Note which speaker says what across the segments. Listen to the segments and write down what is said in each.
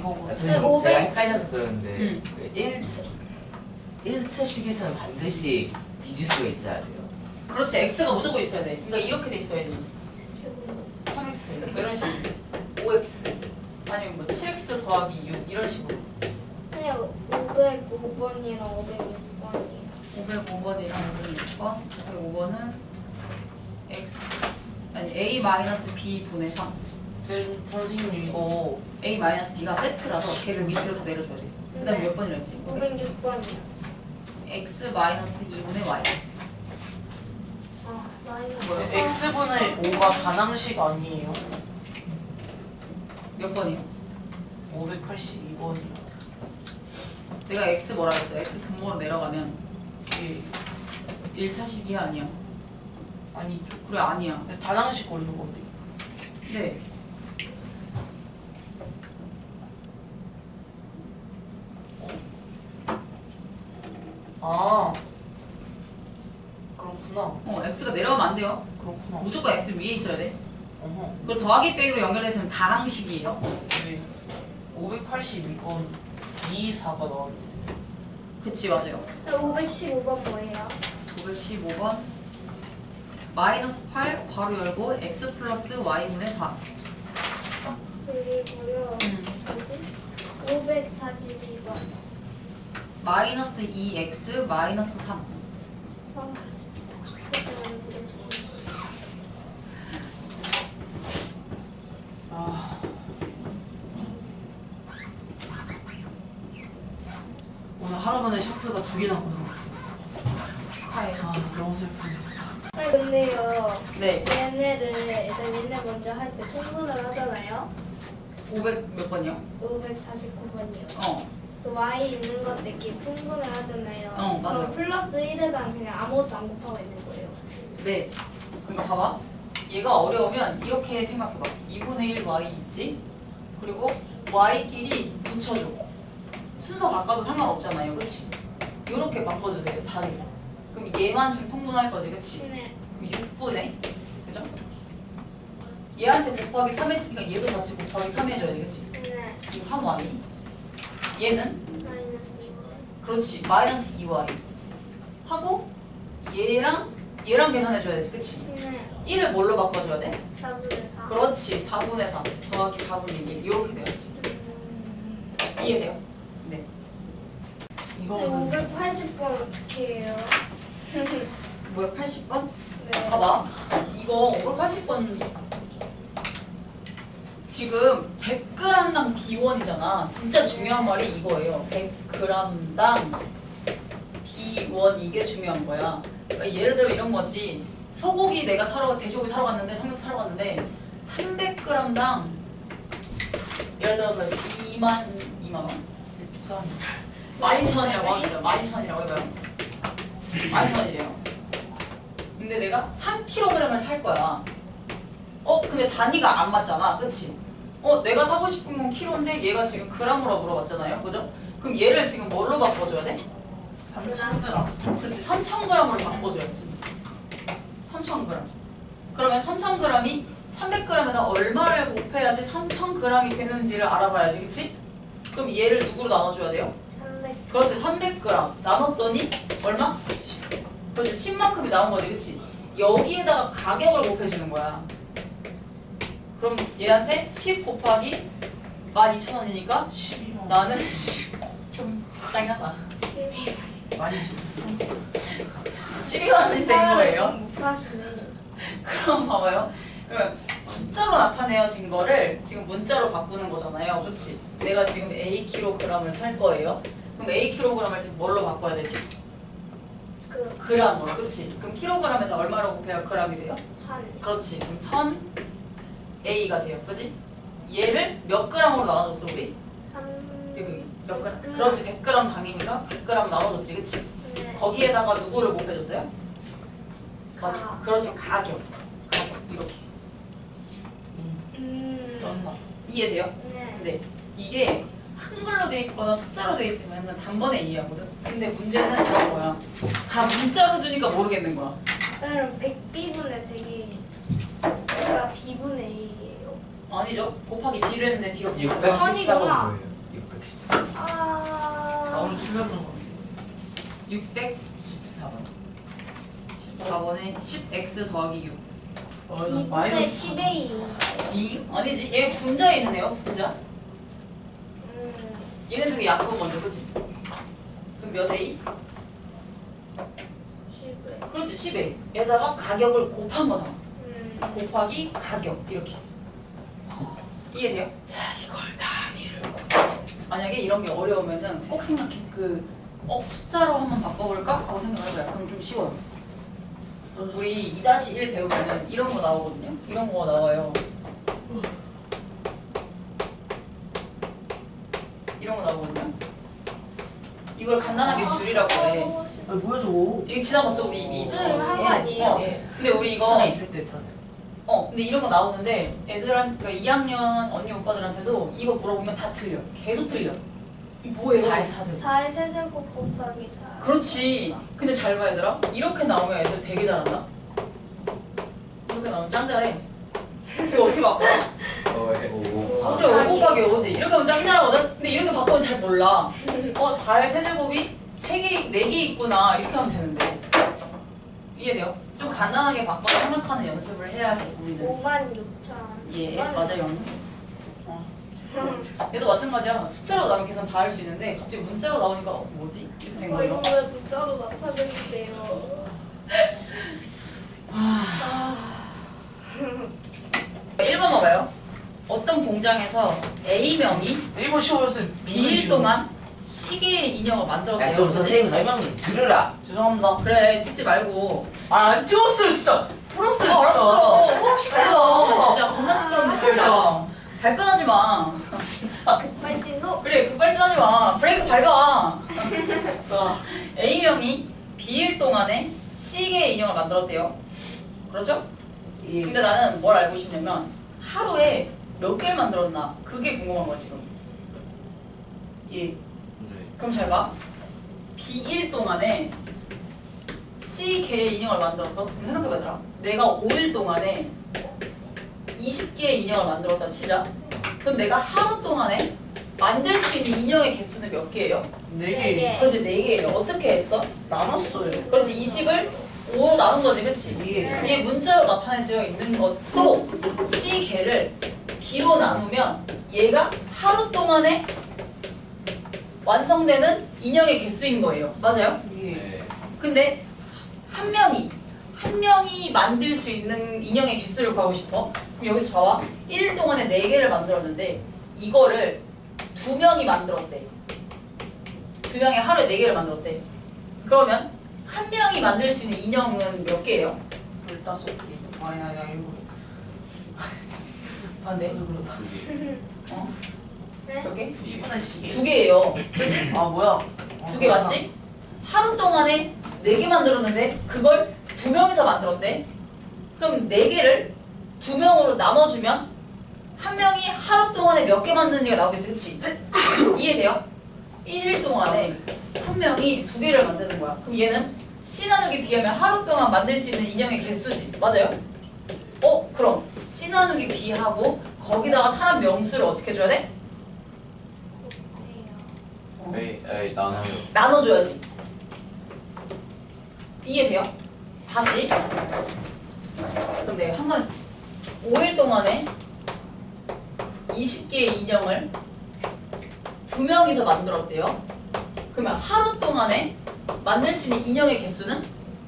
Speaker 1: 이거
Speaker 2: 제가
Speaker 3: 500.
Speaker 2: 헷갈려서 그러는데 1차 식에서는 반드시 미지수가 있어야 돼요.
Speaker 4: 그렇지. x가 무조건 있어야 돼. 그러니까 이렇게 돼 있어야지. 3x 뭐 이런 식으로 5x 아니면 뭐 7x 더하기 6 이런 식으로.
Speaker 3: 그냥 505번이랑 506번이에요.
Speaker 4: 505번이랑 506번. 505번은 x 아니 a-b 분의 3.
Speaker 1: 선생님 이거
Speaker 4: a-b가 세트라서 걔를 밑으로 다 내려줘야 돼. 그 다음에 몇 번이라 했지?
Speaker 3: 506번이요.
Speaker 4: x-2분의 y.
Speaker 3: 아, 마이너스.
Speaker 4: 뭐야?
Speaker 1: x분의 5가 반항식 아니에요?
Speaker 4: 몇 번이요?
Speaker 1: 582번이요.
Speaker 4: 내가 x 뭐라 했어? x 분모로 내려가면 이게 1차식이야 아니야?
Speaker 1: 아니죠.
Speaker 4: 그래 아니야.
Speaker 1: 반항식 걸는 건데.
Speaker 4: 네.
Speaker 1: 아 그렇구나.
Speaker 4: x가 내려가면 안 돼요.
Speaker 1: 그렇구나.
Speaker 4: 무조건 x 위에 있어야 돼.
Speaker 1: 어허.
Speaker 4: 그리고 더하기 빼기로 연결됐으면 다항식이에요.
Speaker 1: 네. 582번 224가 나왔는데.
Speaker 4: 그치 맞아요.
Speaker 3: 515번 뭐예요?
Speaker 4: 515번 마이너스 8 괄호 열고 x 플러스 y분의 4.
Speaker 3: 그리고요. 뭐지? 542번.
Speaker 4: 마이너스 2x 마이너스 3.
Speaker 3: 아, 진짜 족쇄가 모르겠어.
Speaker 1: 아 오늘 하루 만에 샤프가 2개나 고장났어.
Speaker 4: 축하해.
Speaker 1: 아 너무 슬프네.
Speaker 3: 아니 근데요.
Speaker 4: 네.
Speaker 3: 얘네를 일단 얘네 먼저 할 때 통분을 하잖아요.
Speaker 4: 500 몇 번이요?
Speaker 3: 549번이요.
Speaker 4: 어.
Speaker 3: 그 y 있는 것들끼리 통분을 하잖아요.
Speaker 4: 어, 맞아.
Speaker 3: 그럼 플러스 1에다 그냥 아무것도 안 곱하고 있는 거예요.
Speaker 4: 네. 그러니까 봐봐. 얘가 어려우면 이렇게 생각해봐. 2분의 1 y 있지? 그리고 y끼리 붙여줘. 순서 바꿔도 상관없잖아요. 그치? 요렇게 바꿔주세요. 자리를. 그럼 얘만 지금 통분할 거지. 그치?
Speaker 3: 네.
Speaker 4: 6분의 그죠? 얘한테 곱하기 3 했으니까 얘도 같이 곱하기 3 해줘야 돼. 그치?
Speaker 3: 네.
Speaker 4: 지금 3y 얘는
Speaker 3: 마이너스 2y.
Speaker 4: 그렇지 마이너스 2y 하고 얘랑 계산해줘야 돼. 그치?
Speaker 3: 네.
Speaker 4: 1을 뭘로 바꿔줘야 돼?
Speaker 3: 4분의 4.
Speaker 4: 그렇지 4분의 3 더하기 4분의 1 이렇게 돼야지. 이해돼요? 네.
Speaker 1: 이거는
Speaker 3: 580번 어떻게 해요?
Speaker 4: 뭐야 80번?
Speaker 3: 네.
Speaker 4: 봐봐 이거 580번 지금 100g당 B1이잖아. 진짜 중요한 말이 이거예요. 100g당 B1 이게 중요한 거야. 그러니까 예를 들어 이런 거지. 소고기 내가 돼지고기 사러 갔는데 삼겹살 사러 갔는데 300g당 예를 들어서 2만 원?
Speaker 1: 비싼
Speaker 4: 12,000원이라고 하겠어요. 12,000원이라고 해봐요. 12,000원이래요. 근데 내가 3kg을 살 거야. 근데 단위가 안 맞잖아. 그치? 내가 사고 싶은 건 키로인데 얘가 지금 그램으로 물어봤잖아요. 그죠? 그럼 얘를 지금 뭘로 바꿔줘야 돼?
Speaker 1: 3,000g.
Speaker 4: 그렇지. 3,000g으로 바꿔줘야지. 3,000g. 그러면 3,000g이 300g에다 얼마를 곱해야지 3,000g이 되는지를 알아봐야지. 그치? 그럼 얘를 누구로 나눠줘야 돼요?
Speaker 3: 300.
Speaker 4: 그렇지. 300g. 나눴더니 얼마? 그렇지. 10만큼이 나온 거지. 그치? 여기에다가 가격을 곱해주는 거야. 그럼 얘한테 10 곱하기 12,000원이니까
Speaker 1: 12만
Speaker 4: 나는 좀 비싸긴 하다.
Speaker 1: 많이 비싸.
Speaker 4: 12만 원이 된 거예요.
Speaker 3: 못 하시네.
Speaker 4: 그럼 봐봐요. 그러면 숫자로 나타내어진 거를 지금 문자로 바꾸는 거잖아요. 그치? 내가 지금 A kg을 살 거예요. 그럼 A kg을 지금 뭘로 바꿔야 되지?
Speaker 3: 그
Speaker 4: g으로. 그치? 그럼 킬로그램에다 얼마로 곱해야 g이 돼요?
Speaker 3: 1000.
Speaker 4: 그렇지. 그럼 1000 A가 돼요. 그치? 얘를 몇 g으로 나눠줬어 우리?
Speaker 3: 3.
Speaker 4: 여기 몇 g?
Speaker 3: 100g.
Speaker 4: 그렇지. 100g 당이니까 100g 나눠줬지. 그치?
Speaker 3: 네.
Speaker 4: 거기에다가 누구를 곱해줬어요? 맞아.
Speaker 3: 가.
Speaker 4: 그렇지. 가격. 이렇게.
Speaker 1: 쩐다.
Speaker 4: 이해돼요?
Speaker 3: 네.
Speaker 4: 네. 이게 한글로 돼 있거나 숫자로 돼 있으면 단번에 이해하거든. 근데 문제는 이런 거야. 다 문자로 주니까 모르겠는 거야.
Speaker 3: 그럼 100b분의 100이 그러니까 b분의 2예요.
Speaker 4: 아니죠. 곱하기 B를 했는데 B가
Speaker 3: 614번
Speaker 2: 614번 뭐예요?
Speaker 1: 14. 나
Speaker 3: 아.
Speaker 1: 오늘 틀렸던 거.
Speaker 4: 614번.
Speaker 1: 14번.
Speaker 4: 14번에 10x 더하기 6.
Speaker 1: 나
Speaker 3: 2분의
Speaker 1: 마이너스
Speaker 3: 10의 2.
Speaker 4: 아니지, 얘 분자에 있는 애요, 분자.
Speaker 3: 음.
Speaker 4: 얘네 되게 약분 먼저, 그치? 그럼 몇 A?
Speaker 3: 10의.
Speaker 4: 그렇지, 10A. 얘다가 가격을 곱한 거잖아. 곱하기 가격, 이렇게. 이해돼요?
Speaker 1: 이걸 단위를
Speaker 4: 만약에 이런 게 어려우면은 꼭 생각해. 숫자로 한번 바꿔볼까? 하고 생각을 해봐요. 그럼 좀 쉬워요. 우리 2-1 배우면은 이런 거 나오거든요? 이런 거 나와요. 이런 거 나오거든요? 이걸 간단하게 줄이라고 해.
Speaker 1: 아 뭐야 저거?
Speaker 4: 이거 지나갔어, 우리 이미.
Speaker 3: 네, 한거 아니에요?
Speaker 4: 근데 우리 이거
Speaker 2: 수가 있을 때 했잖아요.
Speaker 4: 근데 이런 거 나오는데 애들한테, 그러니까 2학년 언니 오빠들한테도 이거 물어보면 다 틀려. 계속 틀려. 이거 뭐예요?
Speaker 2: 4의 4세제곱.
Speaker 3: 4의 세제곱 곱하기 4.
Speaker 4: 그렇지. 근데 잘 봐, 얘들아. 이렇게 나오면 애들 되게 잘한다. 이렇게 나오면 짱 잘해. 이거 어떻게 바꿔?
Speaker 2: 오.
Speaker 4: 그래, 5 곱하기 5지. 이렇게 하면 짱 잘하거든? 근데 이렇게 바꾸면 잘 몰라. 4의 세제곱이 4개 있구나. 이렇게 하면 되는데. 이해돼요? 좀 간단하게 바꿔서 생각하는 연습을 해야 돼, 우리는.
Speaker 3: 56,000.
Speaker 4: 예, 맞아요. 얘도 마찬가지야. 숫자로 나오면 계산 다 할 수 있는데 갑자기 문자로 나오니까 뭐지? 이렇게 된
Speaker 3: 이거
Speaker 4: 거예요.
Speaker 3: 왜 문자로 나타내주세요?
Speaker 4: 1번 봐봐요. 어떤 공장에서 A명이
Speaker 1: 일본 쉬워졌어요.
Speaker 4: B일 동안 C개의 인형을 만들었대요.
Speaker 2: 야, 좀 선생님 설명 좀 들으라.
Speaker 1: 죄송합니다.
Speaker 4: 그래, 찍지 말고.
Speaker 1: 안 찍었어요 진짜. 풀었어요 진짜.
Speaker 4: 알았어. 호흡 시끄러.
Speaker 1: 아,
Speaker 4: 진짜 겁나 시끄러운데 진짜. 발끈하지 마. 진짜.
Speaker 3: 빨진도?
Speaker 4: 그래, 급발진하지 마. 브레이크 밟아.
Speaker 1: 진짜.
Speaker 4: A명이 B일 동안에 C개의 인형을 만들었대요. 그렇죠?
Speaker 1: 예.
Speaker 4: 근데 나는 뭘 알고 싶냐면 하루에 몇 개를 만들었나 그게 궁금한 거야 지금. 예. 그럼 잘 봐. B1 동안에 C개의 인형을 만들었어. 그럼 생각해봐 얘들아. 내가 5일 동안에 20개의 인형을 만들었다 치자. 그럼 내가 하루 동안에 만들 수 있는 인형의 개수는 몇 개예요?
Speaker 1: 4개.
Speaker 4: 그렇지, 4개예요. 어떻게 했어?
Speaker 1: 나눴어요.
Speaker 4: 그렇지, 20을 5로 나눈 거지, 그치?
Speaker 1: 예.
Speaker 4: 이게 문자로 나타내져 있는 것도 C개를 B로 나누면 얘가 하루 동안에 완성되는 인형의 개수인 거예요. 맞아요?
Speaker 1: 예.
Speaker 4: 근데 한 명이 만들 수 있는 인형의 개수를 구하고 싶어. 그럼 여기서 봐봐. 1일 동안에 4개를 만들었는데 이거를 2명이 만들었대. 2명이 하루에 4개를 만들었대. 그러면 한 명이 만들 수 있는 인형은 몇 개예요?
Speaker 1: 15개. 아야 이거.
Speaker 4: 반대.
Speaker 1: 그래서 그렇다.
Speaker 4: 어?
Speaker 3: 네?
Speaker 4: 몇 개?
Speaker 1: 1분의 10개.
Speaker 4: 2개예요. 그치?
Speaker 1: 아 뭐야?
Speaker 4: 2개 맞지? 하루 동안에 4개 만들었는데 그걸 2명이서 만들었대. 그럼 4개를 2명으로 나눠주면 한 명이 하루 동안에 몇 개 만드는지가 나오겠지, 그치? 이해돼요? 1일 동안에 한 명이 2개를 만드는 거야. 그럼 얘는 C 나누기 B하면 하루 동안 만들 수 있는 인형의 개수지. 맞아요? 그럼 C 나누기 B하고 거기다가 사람 명수를 어떻게 줘야 돼?
Speaker 2: 에이, 나눠요.
Speaker 4: 나눠줘야지. 이해돼요? 다시. 그럼 내가 한번 5일 동안에 20개의 인형을 2명이서 만들었대요. 그러면 하루 동안에 만들 수 있는 인형의 개수는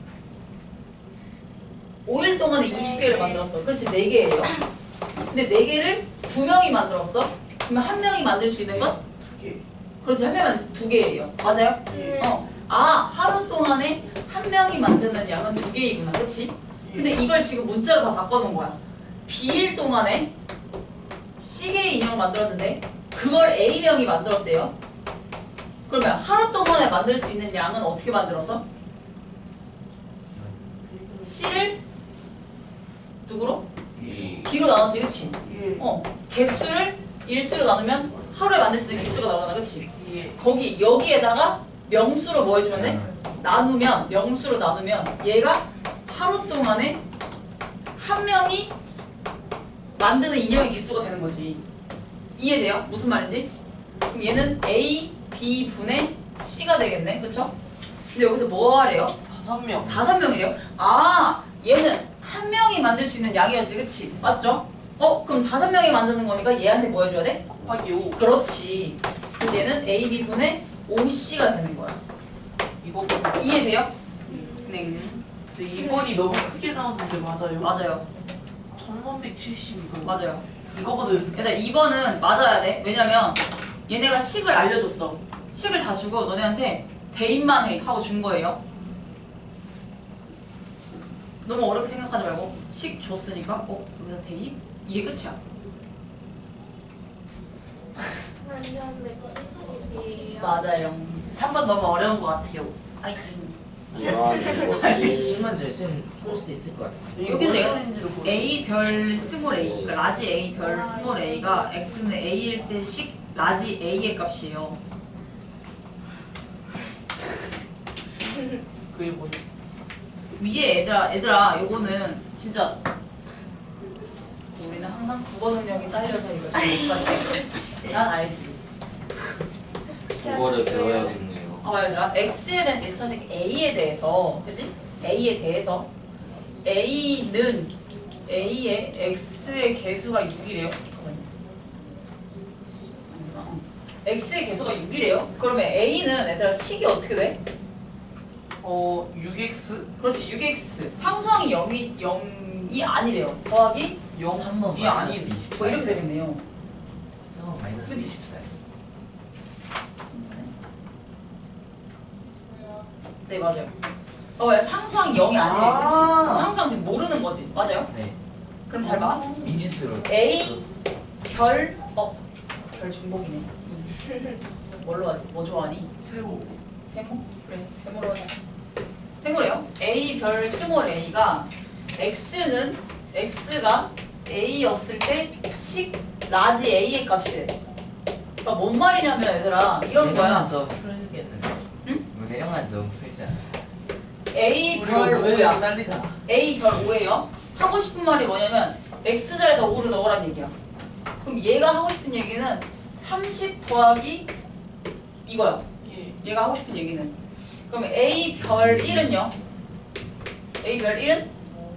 Speaker 4: 5일 동안에 20개를 만들었어. 그렇지, 4개예요. 근데 4개를 2명이 만들었어. 그러면 한 명이 만들 수 있는 건?
Speaker 1: 2개.
Speaker 4: 그렇지, 한 명이 만들 수 2개예요. 맞아요? 하루 동안에 한 명이 만드는 양은 2개이구나. 그렇지? 근데 이걸 지금 문자로 다 바꿔놓은 거야. B일 동안에 C개의 인형을 만들었는데 그걸 A명이 만들었대요. 그러면 하루 동안에 만들 수 있는 양은 어떻게 만들어서? C를 누구로? B로 나누지, 그치?
Speaker 1: 예.
Speaker 4: 개수를 일수로 나누면 하루에 만들 수 있는 개수가 나오잖아, 그치?
Speaker 1: 예.
Speaker 4: 여기에다가 명수로 뭐 해주면 돼? 나누면, 명수로 나누면 얘가 하루 동안에 한 명이 만드는 인형의 개수가 되는 거지. 이해돼요? 무슨 말인지? 그럼 얘는 A, B 분의 C가 되겠네. 그쵸? 근데 여기서 뭐 하래요?
Speaker 1: 5명.
Speaker 4: 5명이래요? 아, 얘는 한 명이 만들 수 있는 양이었지, 그치? 맞죠? 그럼 5명이 만드는 거니까 얘한테 뭐 해줘야 돼?
Speaker 1: 곱하기 5.
Speaker 4: 그렇지. 그럼 얘는 A, B 분의 5C가 되는 거야.
Speaker 1: 이거
Speaker 4: 이해돼요? 네.
Speaker 1: 근데 2번이 너무 크게 나오는데 맞아요?
Speaker 4: 맞아요.
Speaker 1: 1370 이거.
Speaker 4: 맞아요.
Speaker 1: 이거거든.
Speaker 4: 얘들아, 2번은 맞아야 돼. 왜냐면 얘네가 식을 알려줬어. 식을 다 주고 너네한테 대입만 해 하고 준 거예요. 너무 어렵게 생각하지 말고 식 줬으니까 여기다 대입? 이게 끝이야.
Speaker 3: 완전 170이에요.
Speaker 4: 맞아요.
Speaker 1: 3번 너무 어려운 것 같아요.
Speaker 4: 아이고.
Speaker 2: 이거는 뭐지? 10만 줄 풀수 있을 것 같아.
Speaker 4: 여기서
Speaker 1: 뭔
Speaker 4: 내가
Speaker 1: 소리인지도 모르겠어.
Speaker 4: A 별 스몰 A, 그러니까 라지 A 별 스몰 A가 X는 A일 때 식 라지 A의 값이에요.
Speaker 1: 그게 뭐지?
Speaker 4: 위에 얘들아 요거는 진짜 우리는 항상 국어 능력이 딸려서 이걸 잘 못하지. 난 알지.
Speaker 2: 그거를 배워야겠네요.
Speaker 4: 얘들아 X에 대한 1차식 A에 대해서 그치? A에 대해서 A는 A의 X의 개수가 6이래요. X의 개수가 6이래요? 그러면 A는 얘들아 식이 어떻게 돼?
Speaker 1: 6x?
Speaker 4: 그렇지 6X 상수항이 0이 아니래요. 더하기
Speaker 1: 0?
Speaker 2: 3번
Speaker 1: 이 아니.
Speaker 2: 마이너스 24.
Speaker 4: 뭐 이렇게 되겠네요.
Speaker 2: 3번 마이너스
Speaker 4: 그치?
Speaker 2: 24.
Speaker 4: 네 맞아요. 상수항 0이 아니래, 그치? 상수항 지금 모르는 거지, 맞아요?
Speaker 2: 네.
Speaker 4: 그럼 잘 봐.
Speaker 2: 미지수로.
Speaker 4: A 별 중복이네. 뭘로 하지? 뭐 좋아하니?
Speaker 1: 세로.
Speaker 4: 세모? 그래, 세모로 하자. 세모래요. A 별 스몰 A가 X가 A였을 때 식 라지 A의 값이래. 그러니까 뭔 말이냐면 얘들아 이런 거야.
Speaker 2: 좀 풀겠는데.
Speaker 4: 응?
Speaker 2: 문해영만 좀 풀자.
Speaker 4: A 별 5야.
Speaker 1: 딸리잖아.
Speaker 4: A 별 5예요. 하고 싶은 말이 뭐냐면 X자리에다 5를 넣으라는 얘기야. 그럼 얘가 하고 싶은 얘기는 30 더하기 이거야.
Speaker 1: 예.
Speaker 4: 얘가 하고 싶은 얘기는. 그러면 A 별 1은요? A 별 1은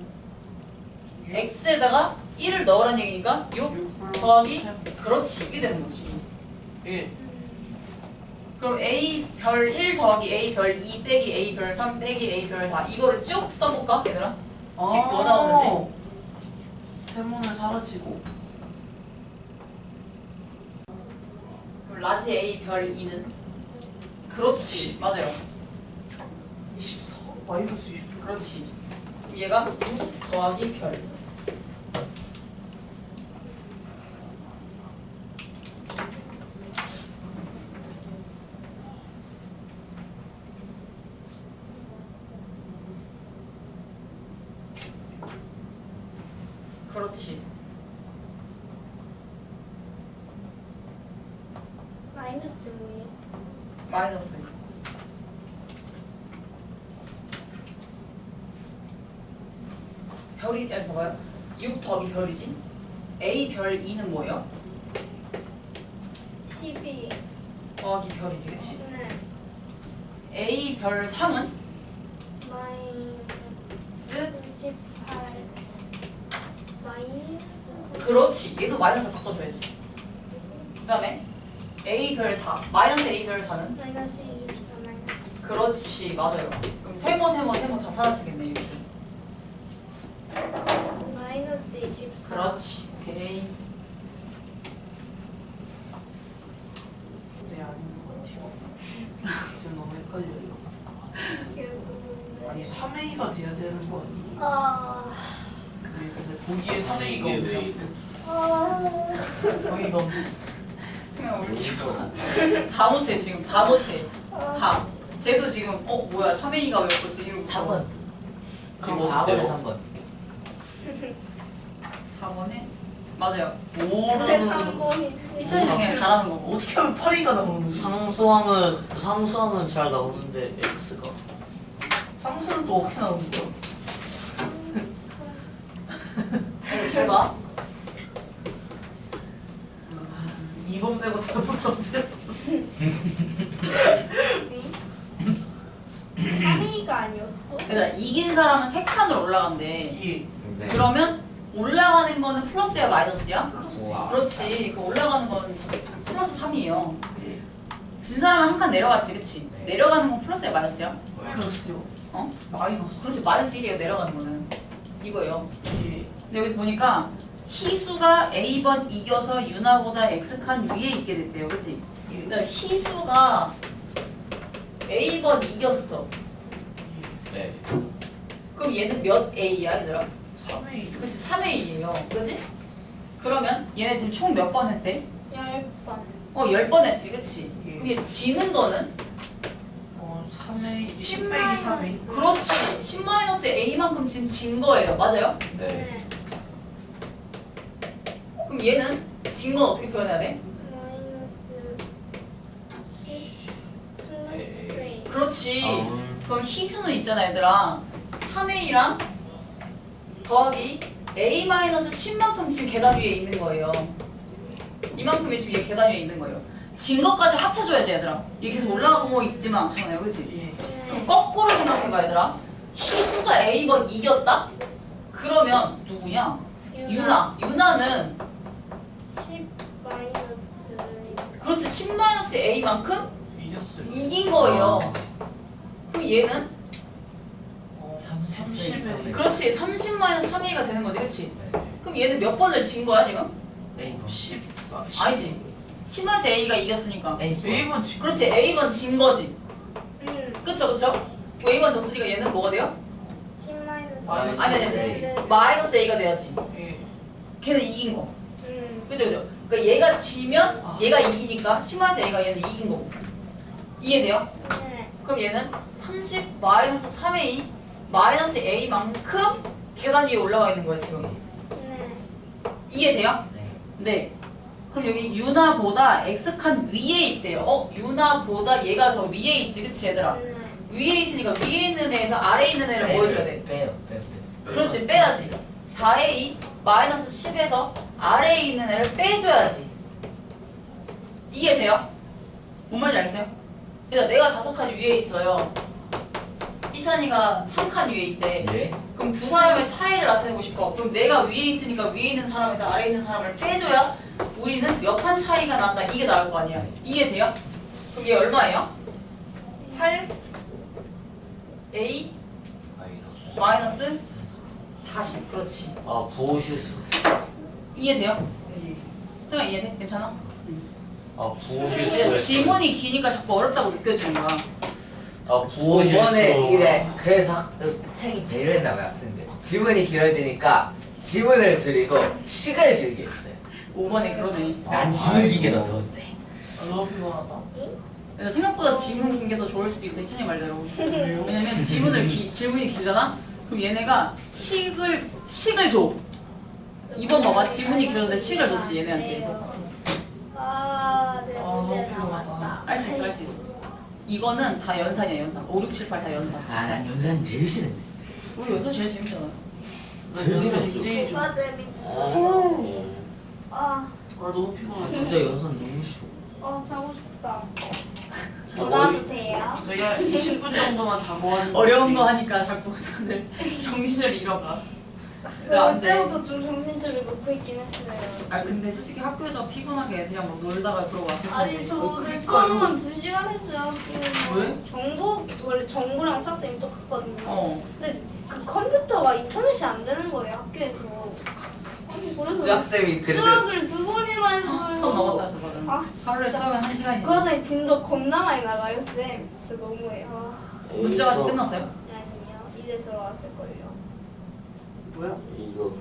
Speaker 4: X에다가 1을 넣으라는 얘기니까 6 더하기 그렇지 이게 되는 거지.
Speaker 1: 예.
Speaker 4: 그럼 A 별 1 더하기 A 별 2 빼기 A 별 3 빼기 A 별 4 이거를 쭉 써볼까 얘들아? 식 뭐 나오는지.
Speaker 1: 세모는 사라지고.
Speaker 4: 그럼 라지 A 별 2는? 그렇지 맞아요.
Speaker 1: 24 마이너스 20.
Speaker 4: 그렇지. 그럼 얘가 6 더하기 별. 그렇지.
Speaker 3: 마이너스 뭐예요?
Speaker 4: 마이너스. 별이 봐봐요. 6 더하기 별이지. A 별 2는 뭐예요?
Speaker 3: 12.
Speaker 4: 더하기 별이지, 그치?
Speaker 3: 네.
Speaker 4: A 별 3은
Speaker 3: 마이너스 18. 마이너스.
Speaker 4: 그렇지. 얘도 마이너스 바꿔줘야지. 그 다음에 A 별 4. 마이너스 A 별 4는?
Speaker 3: 마이너스 24. 마이너스.
Speaker 4: 그렇지. 맞아요. 그럼 세모 다 사라지겠네, 이렇게.
Speaker 3: 마이너스 24.
Speaker 4: 그렇지. 오케이.
Speaker 1: 네, 아닌 것 같아요. 지금 너무 헷갈려요.
Speaker 3: 결국은.
Speaker 1: 아니 3A가 돼야 되는 거 아니에요?
Speaker 3: 아.
Speaker 1: 네, 근데 보기에 3A가
Speaker 2: 이게 왜
Speaker 1: 없어. 여기가 없네.
Speaker 4: 그냥 울지 마. 다 못해, 지금. 다 못해. 다. 쟤도 지금, 뭐야, 3A가 왜 벌써 이러고
Speaker 2: 4번.
Speaker 1: 그거
Speaker 2: 4번에 3번.
Speaker 4: 4번에? 맞아요.
Speaker 3: 왜
Speaker 1: 5는
Speaker 3: 3번이지?
Speaker 4: 이차는 그냥 잘하는 거고.
Speaker 1: 어떻게 하면 8A가 나오는 거지?
Speaker 2: 상수함은 잘 나오는데 X가.
Speaker 1: 쌍수는 또 어떻게 나오는 거야?
Speaker 4: 잘 봐.
Speaker 1: 2번 빼고 다 불러주셨어.
Speaker 3: 3A가 아니었어?
Speaker 4: 얘들아 이긴 사람은 3칸으로 올라간대.
Speaker 1: 예.
Speaker 2: 네.
Speaker 4: 그러면 올라가는 거는 플러스야 마이너스야?
Speaker 2: 우와.
Speaker 4: 그렇지. 그 올라가는 건 플러스 3이에요.
Speaker 1: 예.
Speaker 4: 진 사람은 한 칸 내려갔지, 그치?
Speaker 2: 네.
Speaker 4: 내려가는 건 플러스야 마이너스야?
Speaker 1: 마이너스요.
Speaker 4: 어?
Speaker 1: 마이너스.
Speaker 4: 그렇지 마이너스 1이에요 내려가는 거는. 이거예요.
Speaker 1: 예.
Speaker 4: 근데 여기서 보니까 희수가 A번 이겨서 유나보다 X칸 위에 있게 됐대요, 그치?
Speaker 1: 예.
Speaker 4: 근데 희수가 A번 이겼어.
Speaker 2: 네.
Speaker 4: 그럼 얘는 몇 A야, 얘들아?
Speaker 1: 3A.
Speaker 4: 그렇지 3A예요, 그치? 그러면 얘네 지금 총 몇 번 했대?
Speaker 3: 10번.
Speaker 4: 10번 했지, 그치?
Speaker 1: 예.
Speaker 4: 그럼 얘 지는 거는?
Speaker 1: 3A. 10 빼기 3A.
Speaker 4: 그렇지 10-A만큼 지금 진 거예요, 맞아요?
Speaker 2: 네.
Speaker 4: 그럼 얘는 진 건 어떻게 표현해야 돼?
Speaker 3: 마이너스 10 플러스 A.
Speaker 4: 그렇지 그럼 희수는 있잖아 얘들아 3A랑 더하기 A-10만큼 지금 계단 위에 있는 거예요. 이만큼이 지금 얘 계단 위에 있는 거예요. 진 것까지 합쳐줘야지 얘들아. 이게 계속 올라가고 있지만 않잖아요, 그치?
Speaker 1: 예.
Speaker 4: 그럼 거꾸로 생각해봐 얘들아. 희수가 A번 이겼다? 그러면 누구냐? 유나는
Speaker 3: 10 마이너스
Speaker 4: 그렇지 10-A만큼
Speaker 1: 이겼어요.
Speaker 4: 이긴 거예요. 그럼 얘는
Speaker 1: 30에.
Speaker 4: 그렇지 30-3A가 되는 거지, 그치?
Speaker 2: 네.
Speaker 4: 그럼 얘는 몇 번을 진 거야 지금?
Speaker 2: A번.
Speaker 1: 10.
Speaker 4: 아니지 10-A가 이겼으니까
Speaker 1: A번 지금.
Speaker 4: 그렇지 A번 진 거지. 그쵸? A번 졌으니까 얘는 뭐가 돼요?
Speaker 3: 10 마이너스
Speaker 1: 마이너스
Speaker 4: 아니 마이너스 A가 돼야지.
Speaker 1: 예.
Speaker 4: 걔는 이긴 거. 그죠? 그러니까 얘가 지면 얘가 이기니까 10-A가 얘는 이긴 거고. 이해돼요?
Speaker 3: 네.
Speaker 4: 그럼 얘는 30-3A 마이너스 A만큼 계단 위에 올라가 있는 거야 지금.
Speaker 3: 네.
Speaker 4: 이해돼요?
Speaker 2: 네.
Speaker 4: 네. 그럼 여기 유나보다 X칸 위에 있대요. 유나보다 얘가 더 위에 있지, 그치 얘들아?
Speaker 3: 네.
Speaker 4: 위에 있으니까 위에 있는 애에서 아래에 있는 애를 보여줘야 돼.
Speaker 2: 빼요.
Speaker 4: 그렇지, 빼야지. 4A 마이너스 10에서 아래에 있는 애를 빼줘야지. 이해돼요? 뭔 말인지 알겠어요? 그러니까 내가 5칸 위에 있어요. 희찬이가 한 칸 위에 있대.
Speaker 2: 예.
Speaker 4: 그럼 두 사람의 차이를 나타내고 싶어. 그럼 내가 위에 있으니까 위에 있는 사람에서 아래에 있는 사람을 빼줘야 우리는 몇 칸 차이가 난다. 이게 나올 거 아니야. 이해돼요? 그럼 얘 얼마예요? 8 A 마이너스 40. 그렇지.
Speaker 2: 아 부호실수.
Speaker 4: 이해돼요?
Speaker 1: 예.
Speaker 4: 생각 이해돼? 괜찮아?
Speaker 2: 아
Speaker 4: 그냥
Speaker 2: 부호실수.
Speaker 4: 지문이 기니까 자꾸 어렵다고 느껴지는 거야.
Speaker 2: 아 부호실수.
Speaker 5: 이번에 이게 그래서 책이 배려했나봐요 학생들. 지문이 길어지니까 지문을 줄이고 식을 길게 했어요.
Speaker 4: 5번에 그러네.
Speaker 5: 난 지문 길게 더 좋은데.
Speaker 1: 너무 피곤하다.
Speaker 4: 근데 생각보다 지문 긴 게 더 좋을 수도 있어. 희찬이 말대로.
Speaker 1: 왜요?
Speaker 4: 왜냐면 질문이 길잖아? 그럼 얘네가 식을 줘. 2번 봐봐. 지문이 길었는데 식을 줬지 얘네한테.
Speaker 3: 내
Speaker 1: 너무
Speaker 3: 문제
Speaker 1: 피곤하다.
Speaker 3: 나왔다.
Speaker 4: 할 수 있어. 이거는 다 연산이야, 연산. 5, 6, 7, 8 다 연산.
Speaker 5: 아난 연산이 제일 싫은데.
Speaker 4: 우리 연산 제일 재밌잖아.
Speaker 5: 제일 재미없어.
Speaker 1: 제일
Speaker 3: 뭐가 재밌어? 아,
Speaker 1: 너무 피곤하다.
Speaker 2: 진짜 연산 너무 싫어.
Speaker 3: 자고 싶다.
Speaker 1: 어,
Speaker 3: 전화도 돼요?
Speaker 1: 저희 한 20분 정도만 자고 하는
Speaker 4: 어려운 거 하니까 자꾸 다들 정신을 잃어가.
Speaker 3: 저
Speaker 4: 안 돼.
Speaker 3: 그때부터 좀 정신줄이 놓고 있긴 했어요.
Speaker 4: 아 근데 솔직히 학교에서 피곤하게 애들이랑 막 놀다가 그러고 왔을
Speaker 3: 아니
Speaker 4: 텐데.
Speaker 3: 저 오늘
Speaker 1: 그러니까요.
Speaker 3: 수업만 2시간 했어요 학교에서.
Speaker 4: 왜?
Speaker 3: 원래 정보랑 수학쌤이 똑같거든요. 근데 그 컴퓨터가 인터넷이 안 되는 거예요 학교에서. 아니 그래서
Speaker 5: 수학쌤이 그래도
Speaker 3: 수학을 2번이나 했어요.
Speaker 4: 수업 넘었다 그거는.
Speaker 3: 아,
Speaker 4: 하루에
Speaker 3: 진짜.
Speaker 4: 수업은 1시간이지.
Speaker 3: 그러자 진도 겁나 많이 나가요 쌤. 진짜 너무해요.
Speaker 4: 문제가 아직 끝났어요?
Speaker 3: 아니요 이제 들어왔을걸요.
Speaker 1: 뭐야?
Speaker 2: 이거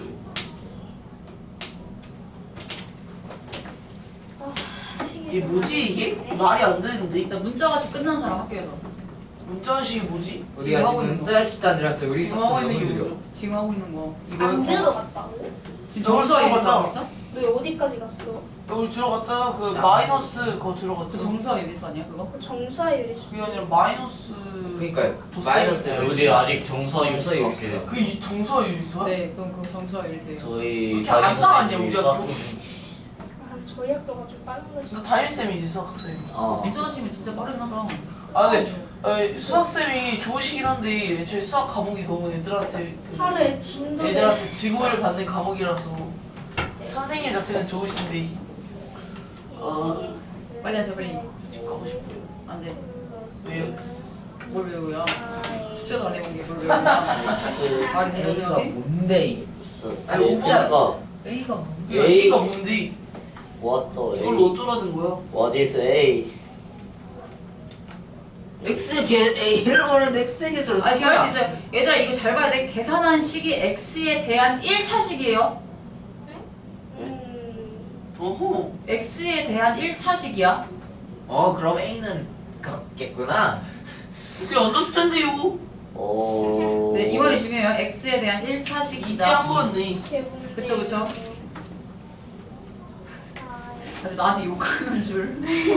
Speaker 1: 이게 뭐지 이게? 말이 안 되는데?
Speaker 4: 일단 문자가씩 끝난 사람 학교에서.
Speaker 1: 문자식이 뭐지?
Speaker 5: 우리가
Speaker 4: 하고
Speaker 5: 지금
Speaker 4: 있는 거.
Speaker 5: 쌀 식단이라서 우리
Speaker 1: 지금 하고
Speaker 5: 수학쌤
Speaker 1: 있는
Speaker 5: 너무
Speaker 1: 게
Speaker 5: 느려.
Speaker 1: 뭐야?
Speaker 4: 지금 하고 있는 거.
Speaker 3: 안
Speaker 1: 이거
Speaker 3: 들어갔다고?
Speaker 4: 지금
Speaker 1: 저걸
Speaker 4: 정수화 얘기
Speaker 1: 들어갔다.
Speaker 4: 하고 있어?
Speaker 3: 너 어디까지 갔어?
Speaker 1: 여기 들어갔잖아. 그 마이너스 그거
Speaker 4: 그
Speaker 1: 들어갔죠.
Speaker 4: 정수화 예비수 아니야 그거?
Speaker 3: 그 정사율이
Speaker 1: 그게 아니라 마이너스.
Speaker 5: 그러니까요.
Speaker 1: 더
Speaker 5: 마이너스
Speaker 1: 세요.
Speaker 2: 우리 아직 정서
Speaker 5: 정서
Speaker 2: 유수
Speaker 5: 유수요.
Speaker 2: 없어요.
Speaker 1: 그 정서 유리수야?
Speaker 4: 네 그럼 그 정수화 예비수예요.
Speaker 2: 저희
Speaker 1: 그렇게 안 나왔냐, 우리 학교?
Speaker 2: 수학생
Speaker 3: 아, 저희 학교가 좀 빠른 거지.
Speaker 1: 너 담임쌤이지 수학쌤이.
Speaker 4: 민정아 진짜 빠르긴 하다.
Speaker 1: 아 근데 수학쌤이 좋으시긴 한데 저희 수학 과목이 너무 애들한테
Speaker 3: 하루에 진도
Speaker 1: 애들한테 지구를 받는 과목이라서 선생님 자체는 좋으신데
Speaker 4: 빨리 하세요 빨리.
Speaker 1: 집 가고 싶어요.
Speaker 4: 안 돼.
Speaker 1: 왜요?
Speaker 4: 뭘 외우야? 숙제도 안 해본 게 뭘 외우냐? 말이 되는
Speaker 5: A가
Speaker 4: 거지?
Speaker 5: 뭔데 이
Speaker 1: 아니 진짜
Speaker 4: A가 뭐?
Speaker 1: A가 뭔데
Speaker 2: What the
Speaker 1: 이걸로 어쩌라는 거야?
Speaker 2: What is A?
Speaker 5: A를 모르는데 X의 개수를
Speaker 4: 아,
Speaker 5: 어떻게
Speaker 4: 이렇게 할
Speaker 5: 알아?
Speaker 4: 수 있어요. 얘들아 이거 잘 봐야 돼. 계산한 식이 x에 대한 1차식이에요.
Speaker 1: 어허.
Speaker 4: x에 대한 1차식이야.
Speaker 5: 그럼 A는 같겠구나.
Speaker 1: 그게 언더스탠드요.
Speaker 2: 오.
Speaker 4: 네, 이 말이 중요해요. x에 대한 1차식이다.
Speaker 1: 이지한 거였네.
Speaker 4: 그쵸, 그쵸. 아직 나한테 욕하는 줄.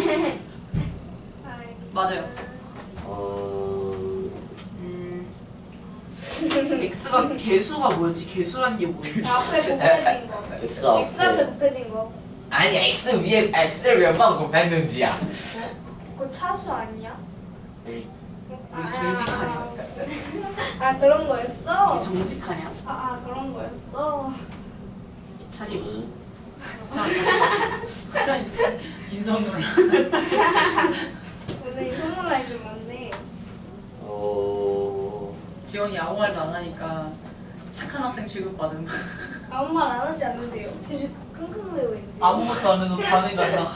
Speaker 4: 맞아요.
Speaker 1: X가 개수가 뭐였지? 개수란 게 뭐였지?
Speaker 3: 앞에 곱해진 거.
Speaker 2: X
Speaker 3: X 앞에
Speaker 2: 앞에.
Speaker 3: 곱해진 거.
Speaker 5: 아니 X를 몇 번 곱했는지야.
Speaker 3: 그거 차수 아니야?
Speaker 1: 정직하냐?
Speaker 3: 아 그런 거였어?
Speaker 1: 정직하냐?
Speaker 3: 그런 거였어?
Speaker 1: 차리 무슨?
Speaker 4: 인성 논란.
Speaker 3: 오늘 이 선물라인 좀 많네.
Speaker 4: 지원이 아무 말도 안 하니까 착한 학생 취급받은.
Speaker 3: 아무 말 안 하지 않는데요. 계속 킁킁대고 있는데.
Speaker 1: 아무것도 안 해도 반응 간다.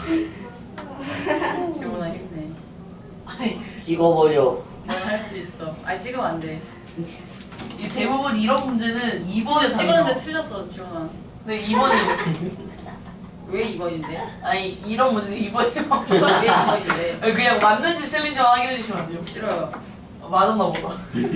Speaker 4: 지원아 힘내.
Speaker 1: 아니
Speaker 2: 찍어버려.
Speaker 4: 넌 할 수 있어. 아니 찍으면 안 돼.
Speaker 1: 이 대부분 이런 문제는 2번에
Speaker 4: 찍었는데 틀렸어 지원아.
Speaker 1: 네 2번이
Speaker 4: 왜 2번인데?
Speaker 1: 아니 이런 문제는 2번이면
Speaker 4: 왜 2번인데?
Speaker 1: 그냥 맞는지 틀린지 확인해 주시면 안 돼요?
Speaker 4: 싫어요.
Speaker 1: 맞았나 보다.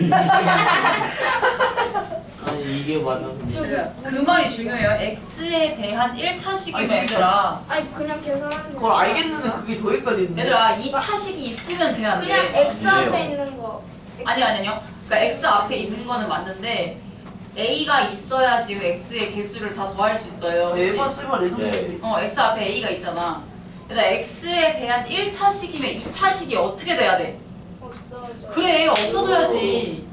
Speaker 2: 아니 이게 맞는.
Speaker 4: 그 말이 중요해요. x에 대한 1차식이면
Speaker 1: 아니, 그러니까.
Speaker 4: 얘들아.
Speaker 3: 아니 그냥 계산하는 거.
Speaker 1: 그걸 알겠는데 그게 더 헷갈리는데.
Speaker 4: 얘들아 2차식이 있으면 돼야 돼.
Speaker 3: 그냥 X 앞에
Speaker 2: 그래요.
Speaker 3: 있는 거.
Speaker 4: 아니요. 그러니까 x 앞에 있는 거는 맞는데 a가 있어야 지금 x의 개수를 다 더할 수 있어요. 그치?
Speaker 1: 에바 쓸바 레전드.
Speaker 2: 네.
Speaker 4: x 앞에 a가 있잖아. 얘들아 x에 대한 1차식이면 2차식이 어떻게 돼야 돼?
Speaker 3: 없어져.
Speaker 4: 그래 없어져야지.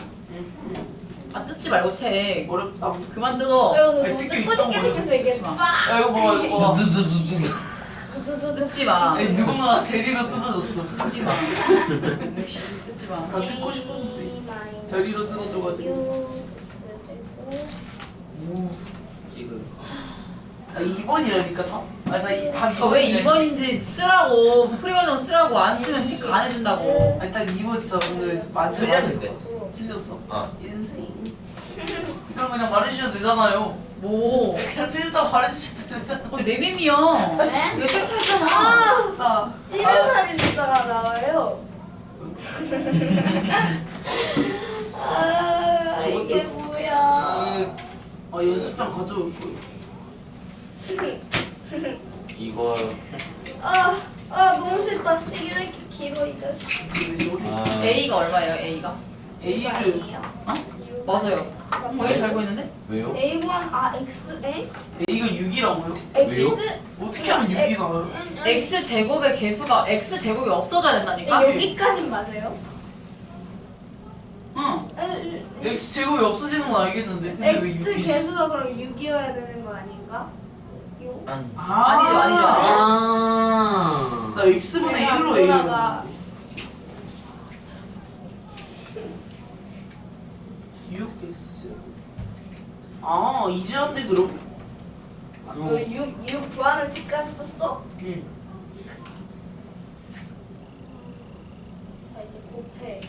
Speaker 4: 아 뜯지 말고 책.
Speaker 1: 어렵다.
Speaker 4: 그만 뜯어.
Speaker 3: 너
Speaker 1: 아니,
Speaker 3: 너무
Speaker 1: 특히
Speaker 3: 뜯고 싶게
Speaker 1: 있던
Speaker 3: 생겼어 이게.
Speaker 4: 뜯지 마.
Speaker 3: 빡!
Speaker 1: 야 이거 봐봐 이거 봐봐.
Speaker 4: 뜯지 마.
Speaker 1: 아니 누군가 대리로 뜯어줬어.
Speaker 4: 뜯지 마. 뜯지 마.
Speaker 1: 나 뜯고 싶었는데 대리로 뜯어줘가지고. 오.
Speaker 5: 지금
Speaker 1: 아 2번이라니까 다? 다
Speaker 4: 왜 2번인지 쓰라고. 프리버전 쓰라고 안 쓰면 체크 안 해준다고.
Speaker 1: 아니 딱 2번 진짜 오늘 많죠.
Speaker 5: 틀렸는데.
Speaker 1: 틀렸어.
Speaker 5: 어.
Speaker 1: 인생. 그럼 그냥 말해주셔도 되잖아요.
Speaker 4: 뭐?
Speaker 1: 그냥 틀렸다고 말해주셔도 되잖아.
Speaker 4: 내 밈이야.
Speaker 3: 네?
Speaker 4: 이거 체크했잖아.
Speaker 1: 진짜.
Speaker 3: 이름만이 숫자가 나와요. 이게 뭐야?
Speaker 1: 아 연습장 가져올 거예요.
Speaker 2: 이걸
Speaker 3: 너무 싫다. 시계 왜 이렇게 길어 이 자식.
Speaker 4: A가 얼마예요? A가?
Speaker 1: A를
Speaker 3: 아니에요?
Speaker 4: 맞아요. 왜 잘 보이는데?
Speaker 5: 왜요?
Speaker 3: A1 X A?
Speaker 1: A가 6이라고요?
Speaker 3: X
Speaker 1: 어떻게 하면 6이 나와요?
Speaker 4: x 제곱의 개수가 x 제곱이 없어져야 된다니까?
Speaker 3: 여기까진 맞아요?
Speaker 4: 응.
Speaker 1: X 제곱이 없어지는 건 알겠는데 근데 왜
Speaker 3: X
Speaker 1: 6이지?
Speaker 3: 개수가 그럼 6이어야 되는 거 아닌가? 요?
Speaker 5: 아니.
Speaker 4: 아니죠.
Speaker 1: 나 X분의 1로 A를
Speaker 3: 돌아가.
Speaker 1: 6X 이제 한데 그럼?
Speaker 3: 너 6 구하는 책까지 썼어?
Speaker 1: 응.
Speaker 3: 이제 곱해.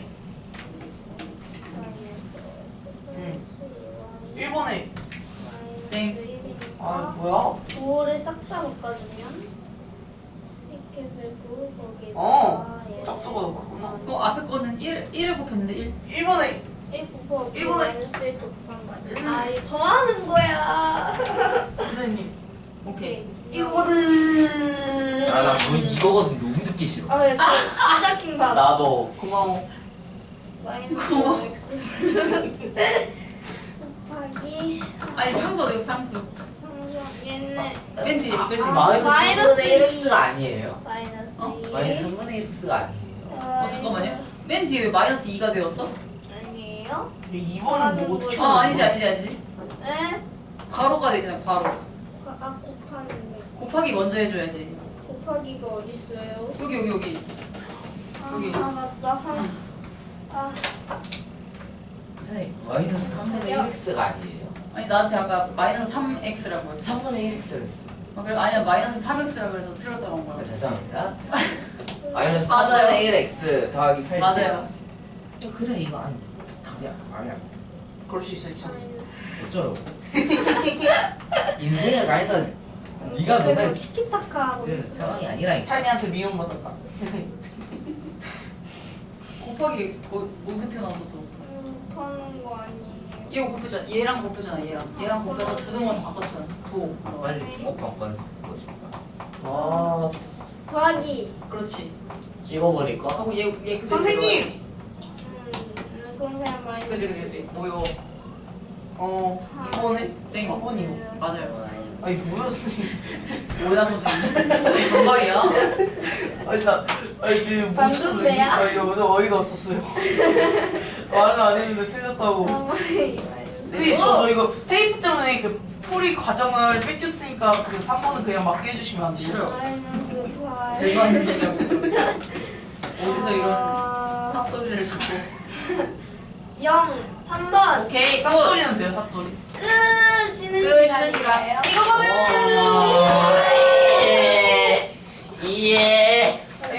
Speaker 1: 응. 1번에
Speaker 4: 땡.
Speaker 1: 뭐야?
Speaker 3: 9를 싹 다 바꿔주면 이렇게 되고 거기에
Speaker 1: 짝수가 더 크구나.
Speaker 4: 앞에 거는 1을 곱했는데 1.
Speaker 1: 1번에
Speaker 3: 1 곱하기
Speaker 1: 일본에-
Speaker 3: 마이너스 1 곱한 거 아니야? 이거 더하는 거야.
Speaker 1: 선생님
Speaker 4: 오케이.
Speaker 1: 이거거든.
Speaker 5: 나 이거거든 너무 듣기 싫어.
Speaker 3: 야, 저 진짜 킹 받아.
Speaker 2: 나도.
Speaker 1: 고마워.
Speaker 3: 마이너스 X 플러스 곱하기
Speaker 4: 아니 상수 어디 갔어 상수?
Speaker 3: 상수 얘네
Speaker 4: 맨 뒤에 그렇지.
Speaker 5: 마이너스
Speaker 3: 마이너스
Speaker 5: 3분의 1x가 아니에요?
Speaker 3: 마이너스
Speaker 4: 어?
Speaker 3: 2.
Speaker 5: 마이너스 3분의 1x가 아니에요?
Speaker 4: 잠깐만요. 맨 뒤에 왜 마이너스 2가 되었어?
Speaker 3: 아니에요?
Speaker 1: 2번은 뭐 어떻게
Speaker 4: 아 아니지.
Speaker 3: 에?
Speaker 4: 괄호가 되잖아. 괄호.
Speaker 3: 곱하는 거.
Speaker 4: 곱하기 먼저 해줘야지.
Speaker 3: 곱하기가 어딨어요?
Speaker 4: 여기. 여기.
Speaker 3: 아 맞다. 아
Speaker 5: 선생님 마이너스 3분의 1x가 아니에요?
Speaker 4: 아니 나한테 아까 마이너스 3x라고 했어.
Speaker 5: 3분의 1x를 했어요.
Speaker 4: 그래 아니야 마이너스 3x라고 그래서 틀렸다고 한 거야.
Speaker 5: 죄송합니다. 마이너스
Speaker 4: 맞아요.
Speaker 5: 3분의 1x 더하기 80.
Speaker 4: 맞아요.
Speaker 2: 그래 이거 아니 답이야 아니야.
Speaker 1: 그럴 수 있어 있잖아.
Speaker 5: 어쩌라고? 인생을 가해서 네가
Speaker 3: 그래서
Speaker 5: 너네
Speaker 3: 치키타카 하고
Speaker 5: 지금
Speaker 3: 있어.
Speaker 5: 상황이 아니라니까.
Speaker 1: 찬이한테 미움받았다.
Speaker 4: 곱하기 어떻게 나왔어 또?
Speaker 3: 곱하는 거 아니에요.
Speaker 4: 얘 곱하잖아. 얘랑 곱하잖아. 얘랑 곱해서 부등원 바꿨잖아. 부.
Speaker 5: 아 빨리 꼭 바꿔서 듣고 싶다.
Speaker 2: 아
Speaker 3: 더하기.
Speaker 4: 그렇지.
Speaker 2: 찍어버릴까?
Speaker 4: 하고 얘 그대로
Speaker 1: 선생님!
Speaker 3: 그럼 그냥 마이너스.
Speaker 4: 그지. 뭐요?
Speaker 1: 2번에
Speaker 4: 땡.
Speaker 1: 4번이요.
Speaker 4: 맞아요.
Speaker 1: 아니 뭐야 선생님.
Speaker 4: 뭐야 선생님? 정말이야?
Speaker 1: 아니 지금
Speaker 3: 방금제야?
Speaker 1: 아니 오늘 어이가 없었어요. 말을 안 했는데 틀렸다고. 선생님 저 이거 테이프 때문에 그 풀이 과정을 뺏겼으니까 그 3번은 그냥 맞게 해주시면 안 돼요?
Speaker 4: 싫어요.
Speaker 3: 마이너스 8.
Speaker 4: 별거 아닌 얘기하고 있어. 어디서 이런 쌉소리를 자꾸.
Speaker 3: 0, 3번.
Speaker 4: 오케이 굿.
Speaker 1: 싹돌이는 돼요 싹돌이.
Speaker 3: 쉬는
Speaker 4: 쉬는
Speaker 3: 시간이에요.
Speaker 1: 이거거든!